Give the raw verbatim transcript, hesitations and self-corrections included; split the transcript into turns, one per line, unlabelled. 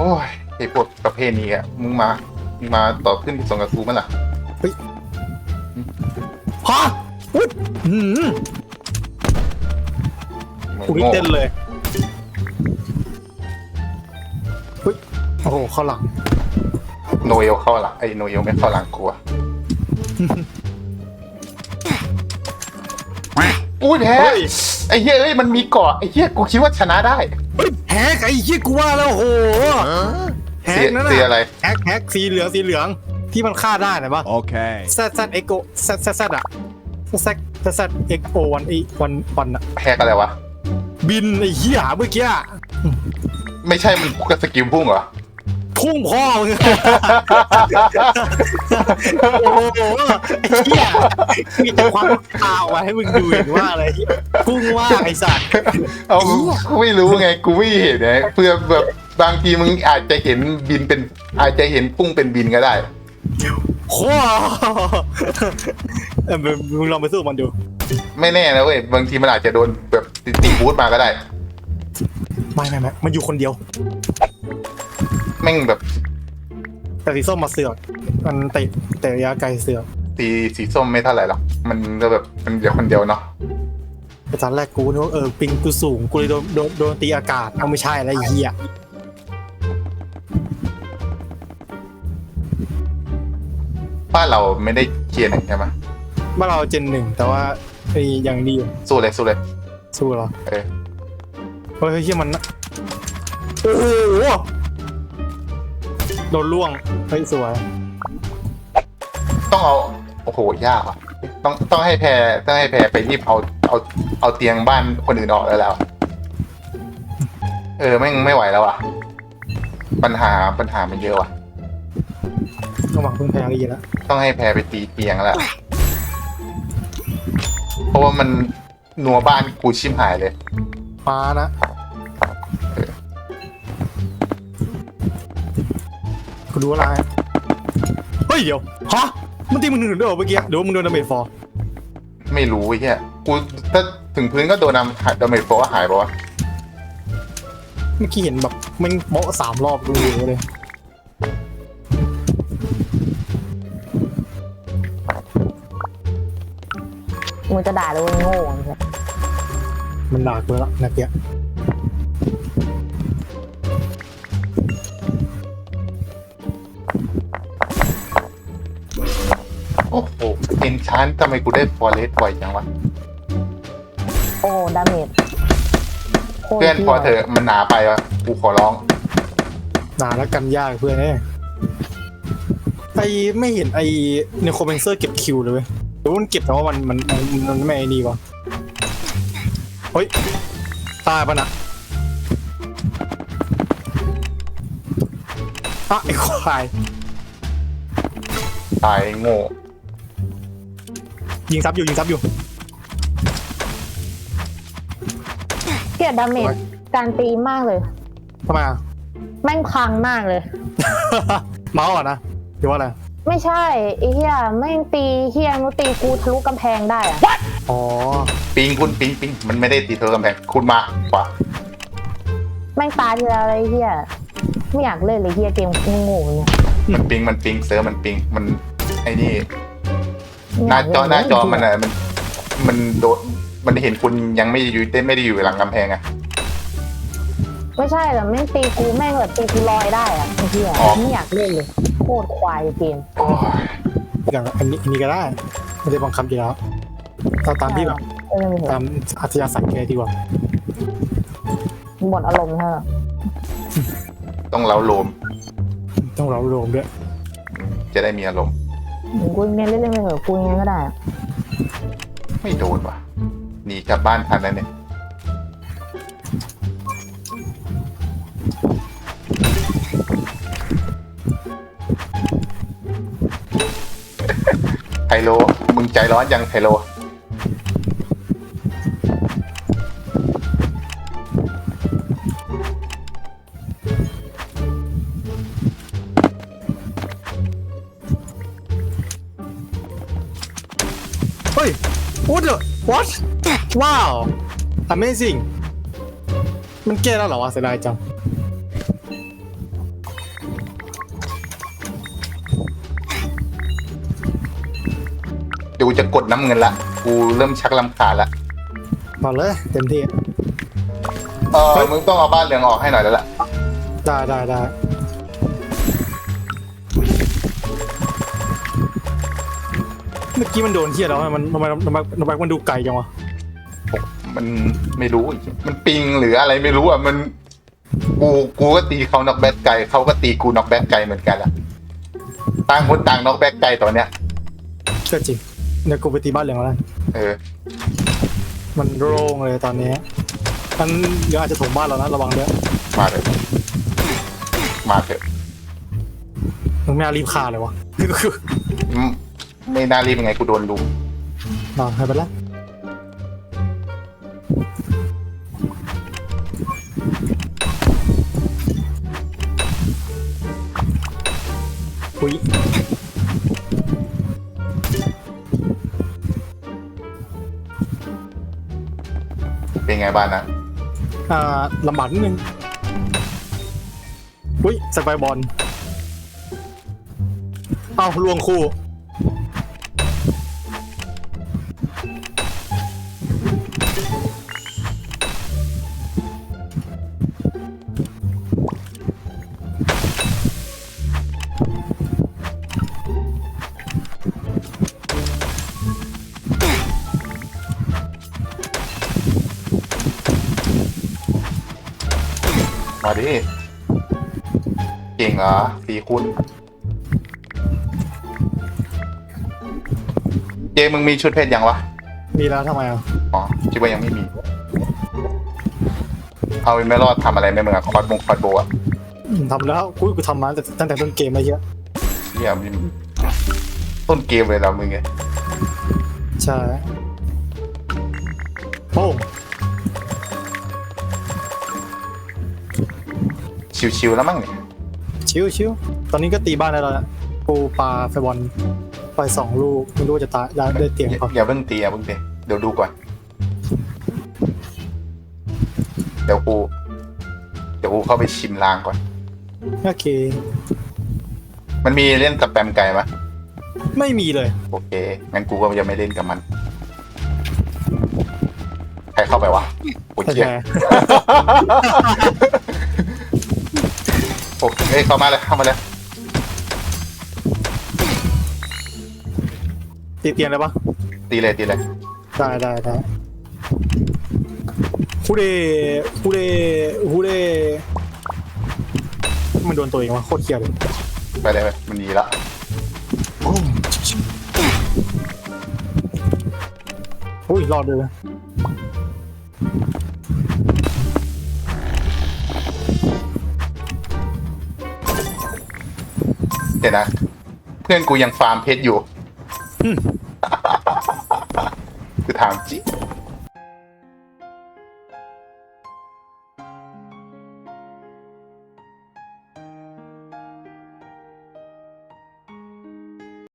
อ้ยไอ้พวกประเภทนี้อ่ะมึงมามึงมาต่อขึ้นที่สองกับกูมั้ยล่ะ
เฮ้ยฮะอุ๊ยหืมกูนี่เต้นเลยเฮ้ยโอ้โหเข้าหลัง
โนเอลเข้าหลังไอ้โนเอลไม่เข้าหลังกูอ่ะอุ้ยแพ้ไอ้เหี้ยเอ้ยมันมีเกาะไอ้เหี้ยกูคิดว่าชนะได้
แฮกไอ้เหี้ยกูว่าแล้วโหแฮกนั่นน่ะ
สีอะไร
แฮกแฮกสีเหลืองสีเหลืองที่มันฆ่าได้นะปะ
โอเค
แซดแซดเอ็กโอแซดแซดแซดอะแซดแซดแซดเอ็กโอวันอีวันวันอะ
แฮกอะไรวะ
บินไอ้เหี้ยเมื่อกี้
ไม่ใช่มันกับสกิลพุ่งเหรอ
พุ่งพ่อมึงโอ้โหไอ้เหี้ยมีแต่ความตาออกมาให้มึงดูเห็นว่าอะไรพุ่งว่าไอ้สัตว์
เอากูไม่รู้ไงกูไม่เห็นไงเพื่อแบบบางทีมึงอาจจะเห็นบินเป็นอาจจะเห็นพุ่งเป็นบินก็ได้
โค้เออมึงลองไปสู้มันดู
ไม่แน่นะเว้ยบางทีมันอาจจะโดนแบบตีบูทมาก็ได้
ไม่ไม่ไม่มันอยู่คนเดียว
แม่งแบบ
แต่สีส้มมาเสือกมันเตะเตะระยะไกลเสือก
สีสีส้มไม่เท่าไหร่หรอกมันก็แบบมันเดียวคนเดียวเนาะ
แต่ตอนแรกกูนึกว่าเออปิงกูสูงกูเลยโดนโดนโดนตีอากาศเอาไม่ใช่อะไรเหี้ย
บ้านเราไม่ได้เกียร์หนึ่งใช่ไหม
บ้านเราเจนหนึ่งแต่ว่าไอ้ยังดีอยู่
สู้เลยสู้เลย
สู้เหรอ
เออ
เฮ้ยเหี้ยมันโอ้โหโดนล่วงเฮ้ยสวย
ต้องเอาโอ้โหยากอ่ะต้องต้องให้แพรต้องให้แพรไปรีบเอาเอาเอาเตียงบ้านคนอื่นออกแล้วแล้วเออแม่งไม่ไหวแล้วอ่ะปัญหาปัญหามันเยอะว่ะ
ต้องหวังพึ่งแพรดีแล้ว
ต้องให้แพรไปตีเตียงแล้วเพราะว่ามันหนัวบ้านกูชิมหายเลย
มานะกูดูอะไรเฮ้ยเดี๋ยวฮะมันตีมึงหนึ่งด้วยเหรอเมื่อกี้หรือว่ามึงโดนดาเมจฟอร์
ไม่รู้ไอ้เหี้ยกูถ้าถึงพื้นก็โดนดาเมจฟอร์หายป่ะวะ
เมื่อกี้เห็นแบบมันโบ๊ะสามรอบดูเลย
มึงจะด่าเลยโง่
มันด่ากูแล้วนะเกี้ย
โอ้โหเอ็นชานทำไมกูได้ฟอเรสต์บ่อยจังวะ
โอ้ดาเมจ
เพื่อนพอเถอะมันหนาไปวะกูขอร้อง
หนาแล้วกันยากเพื่อนเนี่ยไอไม่เห็นไอเนโครเบนเซอร์เก็บคิวเลยเว้ยหรือมันเก็บแต่ว่ามันมันมันไม่ไอ้นี่วะเฮ้ยตายปะนะอ่ะไอ้ควาย
ตายโง่
ยิงซับอยู่ยิงซับอยู่
เกลียดดาเมจการตีมากเลย
ทำไมอ่ะ
แม่งพังมากเลย
เมาส์อ่ะนะหรือว่าอะไร
ไม่ใช่ไอ้เหี้ยแม่งตีเหี้ยมันตีกูทะลุกำแพงได้อะ
อ๋อ
ปิงคุณปิงปิงมันไม่ได้ตีทะลุกำแพงคุณมากกว่า
แม่งตายทีละอะไรเหี้ยไม่อยากเล่นเลยเหี้ยเกมโง่เนี่ย
มันปิงมันปิงเซิร์ฟมันปิงมันไอ้นี่หน้าจอหน้าจอมันอะมันมันโดนมันเห็นคุณยังไม่อยู่ได้ไม่ได้อยู่หลังกำแพงอะ
ไม่ใช่หรอแม่งตีกูแม่งแบบตีกูลอยได้อะไอ้เหี้ยไม่อยากเล่นเลยโคตรควายเกม
อย่างอันนี้อันนี้ก็ได้ไม่ได้บังคับอยู่แล้วตามตามที่แบบตามอัธยาศัยแกดีกว่า
หมดอารมณ์เถอะ
ต้องเล้าโลม
ต้องเล้าโลมด้วย
จะได้มีอารมณ์
กูเล่นเล่นเล่นไปเถอะกูยังไงก็ได้
ไม่โดนว่ะหนีกลับบ้านทันแล้วเนี่ยไฮโลมึงใจร้อนยังไฮโล
เฮ้ย what the what ว้าว amazing มันแก้แล้วเหรอวะเสียดายจัง
ดี๋ยวกูจะกดน้ำเงินละกูเริ่มชักลำคาญละ
มาเลยเต็มที่
เออมึงต้องเอาบ้านเหลืองออกให้หน่อยแล้วล่ะ
ได้ได้ได้เมื่อกี้มันโดนเที่ยแล้วมันทำไมทำไมทำไมมันดูไกลจังวะ
มันไม่รู้อีกมันปิงหรืออะไรไม่รู้อ่ะมันกูกูก็ตีเขาน็อกแบ็กไกลเขาก็ตีกูน็อกแบ็กไกลเหมือนกันละต่างคนต่างน็อกแบ็กไกลตอนเนี้ย
ก็จริงเดี๋ยวกูไปตีบ้านเหลืองแล้ว
เออ
มันโล่งเลยตอนนี้มันเดี๋ยวอาจจะถมบ้านเรานะระวังด้วย
มาเลยมาเถอะ
มึงไม่น่ารีบฆ่าเลยวะ
อืมไม่น่ารีบยังไงกูโดนลุม
นอนให้ไปแล้วอุ้ย
เป็นไงบ้านนะ
อ่าลำบากนิดนึงอุ้ยสไปบอลเอ้าลวงคู่
มาดิเก่งเหรอสีคุณเจมึงมีชุดเพชรยังวะ
มีแล้วทำไมอ่ะ
อ๋อคิดว่ายังไม่มี เอาไม่รอดทำอะไรไม่เหมือนคอร์ดบงคอร์ดโบอะ
อืมทำแล้วกูกูทำมาตั้งแต่ตั้งแต่ต้นเกมมาเยอะ
เฮียมีต้นเกมเลยเรามึงไง
ใช่โอ้
ชิวๆแล้วมั้งเนี่ย
ชิวชิวตอนนี้ก็ตีบ้านได้แล้วนะปูปลาไฟบอลไปสองลูกไม่รู้ว่าจะตายได้ได้เตียง
อย่า
เปล่า
อย่าเพิ่งตีอย่าเพิ่งตีเดี๋ยวดูก่อน เดี๋ยวกูเดี๋ยวกูเข้าไปชิมลางก่อน
โอเค
มันมีเล่นสแปมไก่ไหม
ไม่มีเลย
โอเคงั้นกูก็ยังไม่เล่นกับมันใครเข้าไปวะโอ้ย
โอ
เจี๊
เค
ย โอเคเฮ้ยเข้ามาเลยเข้ามาเลย
ตีเตียงเลยปะ
ตีเลยตีเลย
ได้ได้ได้ฮูเดฮูเดฮูเดมันโดนตัวเองวะโคตรเคียเลย
ไปเลยไปมันดีละ
โอ้โอ้ยรอดเลย
เดี๋ยวนะ เพื่อนกูยังฟาร์มเพชรอยู่
อืม
คือถามจริง